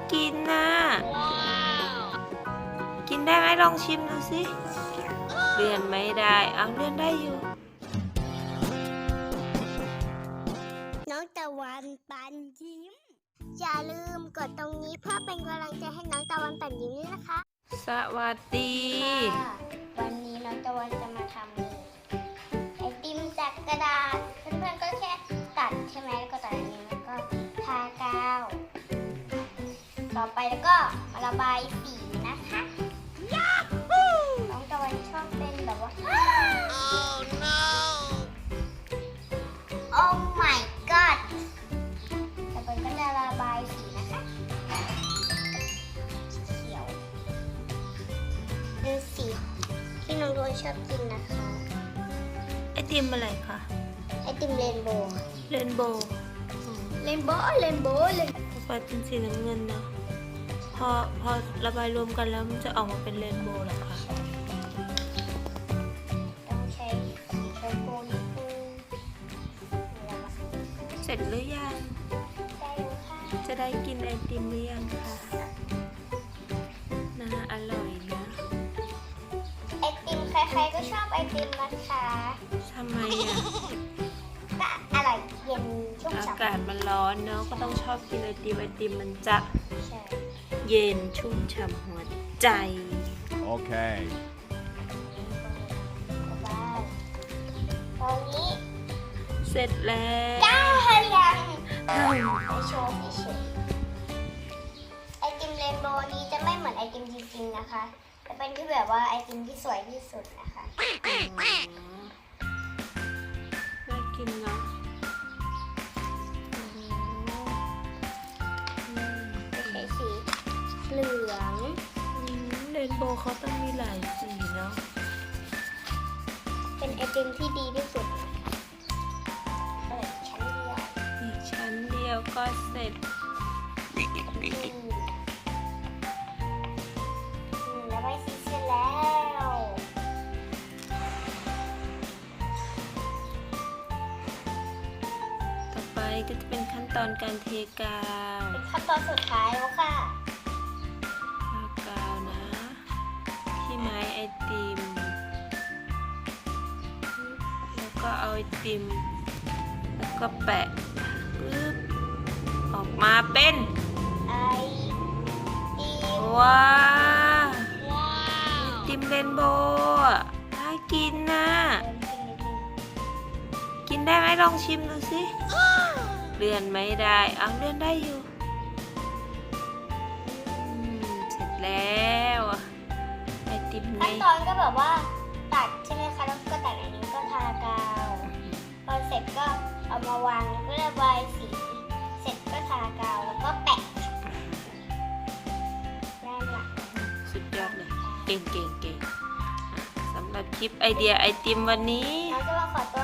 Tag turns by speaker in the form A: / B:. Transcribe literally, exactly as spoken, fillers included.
A: กินนะกินได้ไหมลองชิมดูสิเลื่อนไม่ได้เอาเลื่อนได้อยู่
B: น้องตะวันปันยิ้มอย่าลืมกดตรงนี้เพื่อเป็นกำลังใจให้น้องตะวันปันยิ้มด้วยนะคะ
A: สวัสดี
B: วันนี้น้องตะวันจะมาทำไอติมจากกระดาษเพื่อนๆก็แค่ตัดใช่ไหมแล้วก็ตัดอันนี้แล้วก็ทากาวต่อไปแล้วก็มาระบายสีนะคะน้องตะวันชอบเป็นแบบว่า oh no oh my god ตะวันก็จะระบายสีนะคะเขียวเป็นสีที่น้องตะวันชอบกินนะคะ
A: ไอติมอะไรคะ
B: ไอติมเรนโบว์
A: เรนโบว์
B: เรนโบว์เรนโบว์เลย
A: ไฟเป็นสีน้ำเงินนะพอพอระบายรวมกันแล้วมันจะออกมาเป็นเรนโบว์เหรอคะ
B: ต้องใช้สีชมพูนิดนึง
A: เสร็จหรือยัง
B: ได้แล้วค่ะ
A: จะได้กินไอติมหรือยังคะน่าอร่อยนะ
B: ไอติมใครๆก็ชอบไอติมนะคะ
A: ทำไมอ่ะ
B: ก็อร่อยเย็นชุ่มฉ่ำ
A: อากาศมันร้อนเนาะก็ต้องชอบกินไอติมไอติมมันจะเย็นชุ่มฉ่ำหัวใจ
C: โอเค
B: ตอนนี้
A: เสร็จแล้ว
B: ก้าวยังไปโชว์เฉยๆไอติมเรนโบว์นี้จะไม่เหมือนไอติมจริงๆนะคะจะเป็นที่แบบว่าไอติมที่สวยที่สุดนะคะ
A: น่ากินเนาะ
B: ใช้สีเหลือง
A: เรนโบว์เขาต้องมีหลายสีเนาะ
B: เป็นไอติมที่ดีที่สุดเปิดชั้นเดียว
A: อีกชั้นเดียวก็เสร็จ
B: แล้วไม่สีเสร็จแล้ว
A: ต่อไปก็จะเป็นขั้นตอนการเทกาว
B: เป็นขั้นตอนสุดท้ายแล้วค่ะ
A: ทากาวนะที่ไม้ไอติมแล้วก็เอาไอติมแล้วก็แปะปึ๊บออกมาเป็น
B: ไอติม
A: ว้าไอติมเรนโบว์น่ากินนะกินได้ไหมลองชิมดูสิเลื่อนไม่ได้เอาเลื่อนได้อยู่เสร็จแล้วไอติมไง
B: ขั้นตอนก็แบบว่าตัดใช่ไหมคะแล้วก็ตัดอันนี้ก็ทากาวพอเสร็จก็เอามาวางแล้วก็ระบายสีเสร็จก็ทากาวแล้วก็แปะได้ละ
A: สุดยอดเลยเก่งเก่งเก่งสำหรับคลิปไอเดียไอติมวันนี้
B: เราจะมาขอตัว